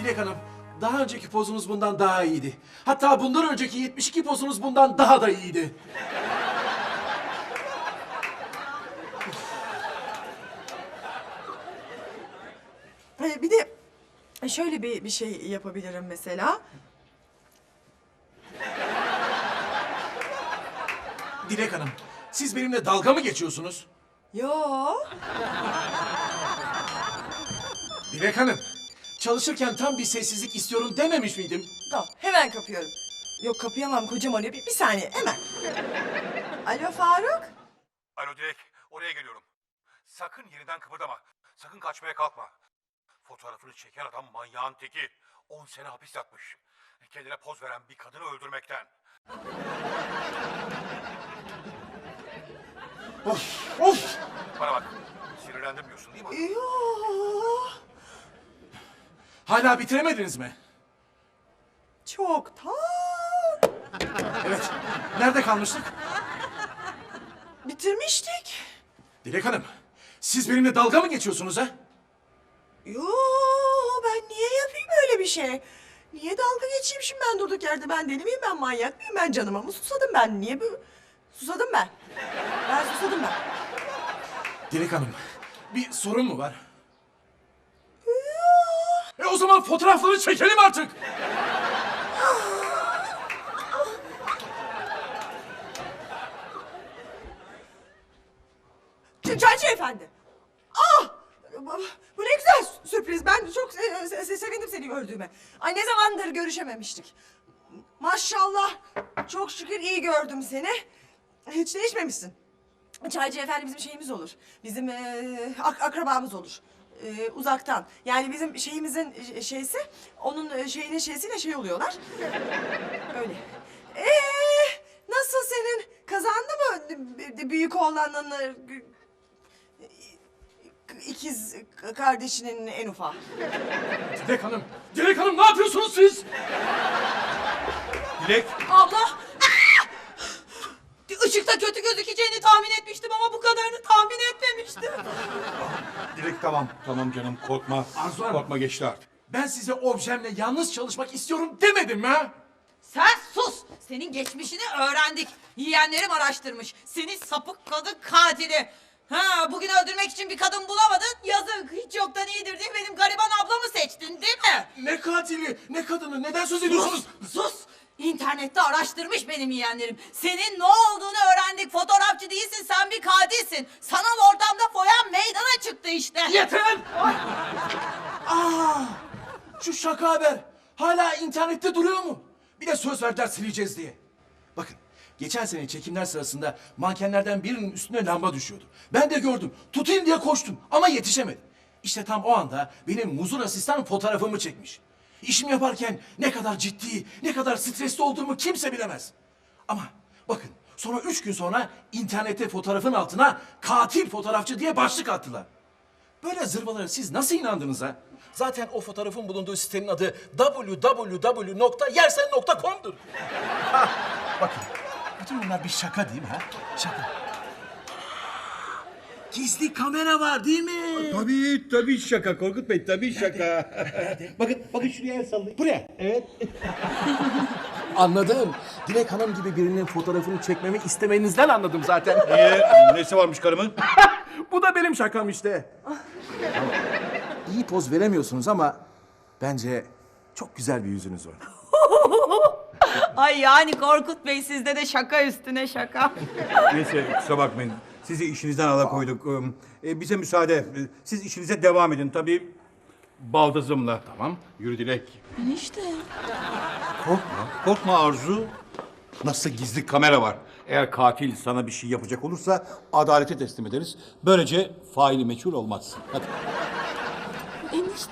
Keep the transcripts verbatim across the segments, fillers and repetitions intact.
Dilek Hanım, daha önceki pozunuz bundan daha iyiydi. Hatta bundan önceki yetmiş iki pozunuz bundan daha da iyiydi. Ee, bir de şöyle bir, bir şey yapabilirim mesela. Dilek Hanım, siz benimle dalga mı geçiyorsunuz? Yo. Dilek Hanım, çalışırken tam bir sessizlik istiyorum dememiş miydim? Tamam, hemen kapıyorum. Yok, kapayamam, kocam arıyor. Bir, bir saniye, hemen. Alo Faruk. Alo Dilek, oraya geliyorum. Sakın yeniden kıpırdama. Sakın kaçmaya kalkma. Fotoğrafını çeken adam manyağın teki. On sene hapis yatmış. Kendine poz veren bir kadını öldürmekten. Of, of! Bana bak, sinirlendim diyorsun değil mi? Yo. Hala bitiremediniz mi? Çoktan. Evet, nerede kalmıştık? Bitirmiştik. Dilek Hanım, siz benimle dalga mı geçiyorsunuz ha? Yo, ben niye yapayım öyle bir şey? Niye dalga geçeyim şimdi ben durduk yerde? Ben deli miyim, ben manyak mıyım? Ben canıma mı susadım ben? Niye bu? Susadım ben. Ben susadım ben. Dilek Hanım, bir sorun mu var? E o zaman fotoğrafları çekelim artık. Çaycı efendi. Ah! Bu bu ne güzel sürpriz. Ben çok se- se- se- sevindim seni gördüğüme. Ay ne zamandır görüşememiştik. Maşallah. Çok şükür iyi gördüm seni. Hiç değişmemişsin. Çaycı efendi bizim şeyimiz olur. Bizim eee, ak- akrabamız olur. Eee, uzaktan. Yani bizim şeyimizin e, şeysi, onun e, şeyinin şeysiyle şey oluyorlar. Öyle. Ee, nasıl senin kazandı mı b- büyük oğlanın e, ikiz kardeşinin en ufağı? Dilek Hanım, Dilek Hanım ne yapıyorsunuz siz? Dilek, Abla! Işıkta kötü gözükeceğini tahmin etmiştim ama bu kadarını tahmin etmemiştim. Dilek tamam, tamam canım korkma. Arzu Hanım. Korkma geçti artık. Ben size objemle yalnız çalışmak istiyorum demedim mi ha? Sen sus! Senin geçmişini öğrendik. Yeğenlerim araştırmış. Seni sapık kadın katili. Ha, bugün öldürmek için bir kadın bulamadın. Yazık, hiç yoktan iyidir diye benim gariban ablamı seçtin değil mi? Ne katili, ne kadını, neden söz ediyorsunuz? Sus! Sus! İnternette araştırmış benim yeğenlerim. Senin ne olduğunu öğrendik. Fotoğrafçı değilsin, sen bir katilsin. Sanal ortamda foyan meydana çıktı işte. Yeter! Aa, şu şaka haber hala internette duruyor mu? Bir de söz verdiler sileceğiz diye. Bakın, geçen sene çekimler sırasında mankenlerden birinin üstüne lamba düşüyordu. Ben de gördüm, tutayım diye koştum ama yetişemedim. İşte tam o anda benim muzur asistan fotoğrafımı çekmiş. İşimi yaparken ne kadar ciddi, ne kadar stresli olduğumu kimse bilemez. Ama bakın, sonra üç gün sonra internette fotoğrafın altına katil fotoğrafçı diye başlık attılar. Böyle zırvalara siz nasıl inandınız ha? Zaten o fotoğrafın bulunduğu sitenin adı w w w nokta yersen nokta com'dur. Ha, bakın, bütün bunlar bir şaka değil mi ha? Şaka. Gizli kamera var değil mi? Tabii tabii şaka Korkut Bey tabii şaka. bakın bakın şuraya el sallayın. Buraya. Evet. Anladım. Dilek Hanım gibi birinin fotoğrafını çekmemi istemenizden anladım zaten. Niye? Nesi varmış karımın? Bu da benim şakam işte. İyi poz veremiyorsunuz ama bence çok güzel bir yüzünüz var. Ay yani Korkut Bey sizde de şaka üstüne şaka. Neyse kusura bakmayın. Sizi işinizden alakoyduk. Ee, bize müsaade. Siz işinize devam edin tabii. Baldızımla. Tamam. Yürü Dilek. Enişte. Korkma. Korkma Arzu. Nasıl gizli kamera var. Eğer katil sana bir şey yapacak olursa adalete teslim ederiz. Böylece faili meçhul olmaz. Hadi. Enişte.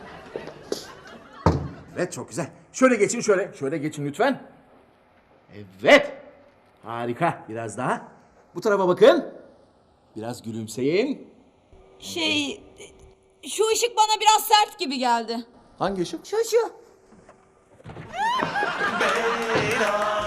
Evet, çok güzel. Şöyle geçin, şöyle. Şöyle geçin lütfen. Evet. Harika. Biraz daha. Bu tarafa bakın. Biraz gülümseyin. Şey, şu ışık bana biraz sert gibi geldi. Hangi ışık? Şu şu.